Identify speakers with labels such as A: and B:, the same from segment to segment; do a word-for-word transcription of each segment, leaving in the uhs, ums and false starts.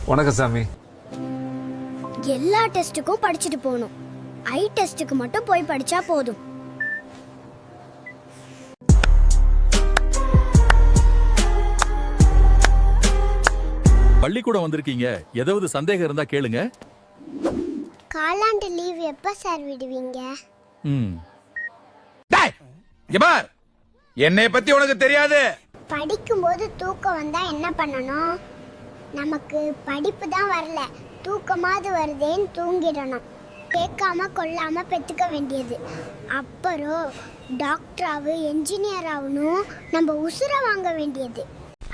A: வணக்கம் சாமி.
B: எல்லா டெஸ்ட்டுக்கும் படிச்சுட்டு போகணும், ஐ டெஸ்ட்டுக்கு மட்டும் போய் படிச்சா போதும்.
C: பள்ளிக்கூடம் வந்திருக்கீங்க, ஏதாவது சந்தேகம் இருந்தா கேளுங்க.
B: காலாண்டு லீவ் எப்ப சார் விடுவீங்க?
C: ம்.
D: டேய், இங்க பார். என்னைய பத்தி உனக்கு தெரியாது.
B: படிக்கும்போது தூக்கம் வந்தா என்ன பண்ணணும்? நமக்கு படிப்பு தான் வரல, தூக்கமாவது வருதேன்னு தூங்கிடணும். கேட்காம கொள்ளாம பெத்துக்க வேண்டியது. அப்புறம் டாக்டர் ஆகு, என்ஜினியர் ஆகணும், நம்ம உசுர வாங்க வேண்டியது.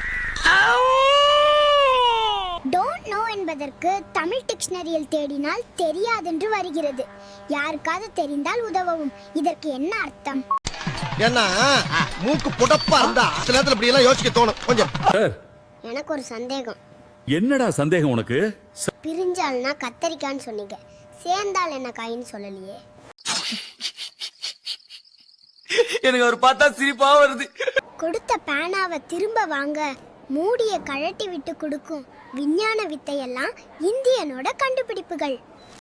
B: டோன்ட் நோ என்பதற்கு தமிழ் டிக்ஷனரியில் தேடினால் தெரியாதென்று வருகிறது. யாருக்காவது தெரிந்தால் உதவவும். இதற்கு என்ன அர்த்தம்?
E: ஏன்னா மூக்கு புடப்பா இருந்தா சில நேரத்துல இப்படி எல்லாம் யோசிக்க தோணும் கொஞ்சம்.
B: எனக்கு ஒரு சந்தேகம்.
C: என்னடா சந்தேகம் உனக்கு?
B: பிரிஞ்சால்னா கத்தரிக்கான்னு சொன்னீங்க, சேர்ந்தால் என்ன காயின்னு சொல்லலையே.
D: எனக்கு ஒரு பார்த்தா சிரிப்பா வருது.
B: கொடுத்த பேனாவை திரும்ப வாங்க மூடிய கழட்டி விட்டு கொடுக்கும் விஞ்ஞான வித்தையெல்லாம் இந்தியனோட கண்டுபிடிப்புகள்.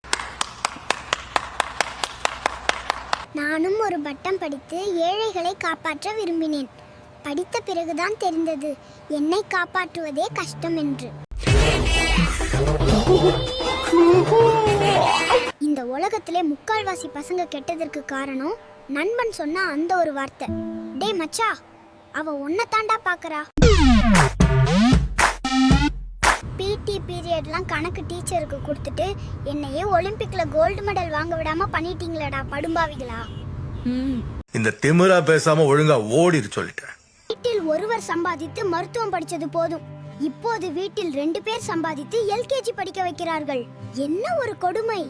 B: நானும் ஒரு பட்டம் படித்து ஏழைகளை காப்பாற்ற விரும்பினேன். படித்த பிறகுதான் தெரிந்தது என்னை காப்பாற்றுவதே கஷ்டம் என்று. இந்த உலகத்திலே முக்கால்வாசி பசங்க கெட்டதற்கு காரணம் நண்பன் சொன்ன அந்த ஒரு வார்த்தை, டே மச்சா அவ உன்னை தாண்டா பாக்குறா. பிடி பீரியட்லாம் கணக்கு டீச்சருக்கு கொடுத்துட்டு என்னையே ஒலிம்பிக்ல கோல்டு மெடல் வாங்க விடாம பண்ணிட்டீங்களடா படும்பாவிகளா.
D: இந்த திமிரா பேசாம ஒழுங்கா ஓடிரு சொல்லிட்டேன்.
B: வீட்டில் ஒருவர் சம்பாதித்து மருத்துவம் படிச்சது போதும், இப்போது வீட்டில் ரெண்டு பேர் சம்பாதித்து எல்கேஜி படிக்க வைக்கிறார்கள். என்ன ஒரு கொடுமை.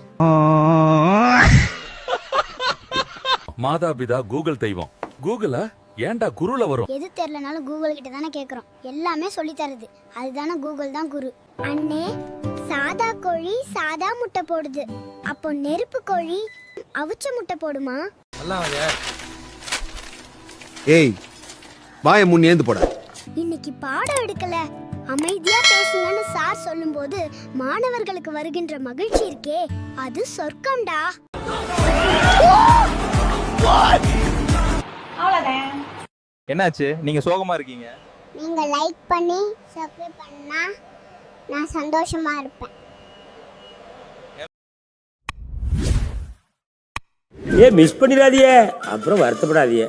C: மாதாபிதா கூகுள் தெய்வம். கூகுளா? ஏன்டா குருல வரும்?
B: எது தெரியலனாலும் கூகுள் கிட்ட தானே கேக்குறோம். எல்லாமே சொல்லி தருது, அதுதானே கூகுள் தான் குரு. அண்ணே, சாதா கோழி சாதா முட்டை போடுது, அப்போ நெருப்பு கோழி அவிச்ச முட்டை போடுமா?
E: ஏய் வாய முன் ஏந்து போட.
B: இன்னைக்கு பாடம் எடுக்கல, அமைதியா பேசுங்கன்னு சார் சொல்லும்போது மாணவர்களுக்கு வருகின்ற மகிழ்ச்சி இருக்கே, அது சொர்க்கம்டா.
F: என்னாச்சு, நீங்க சோகமா இருக்கீங்க?
B: நீங்க லைக் பண்ணி சப்ஸ்கிரைப் பண்ணா நான் சந்தோஷமா இருப்பேன்.
G: ஏ மிஸ் பண்ணிடாதீங்க, அப்புறம் வருத்தப்படாதீங்க.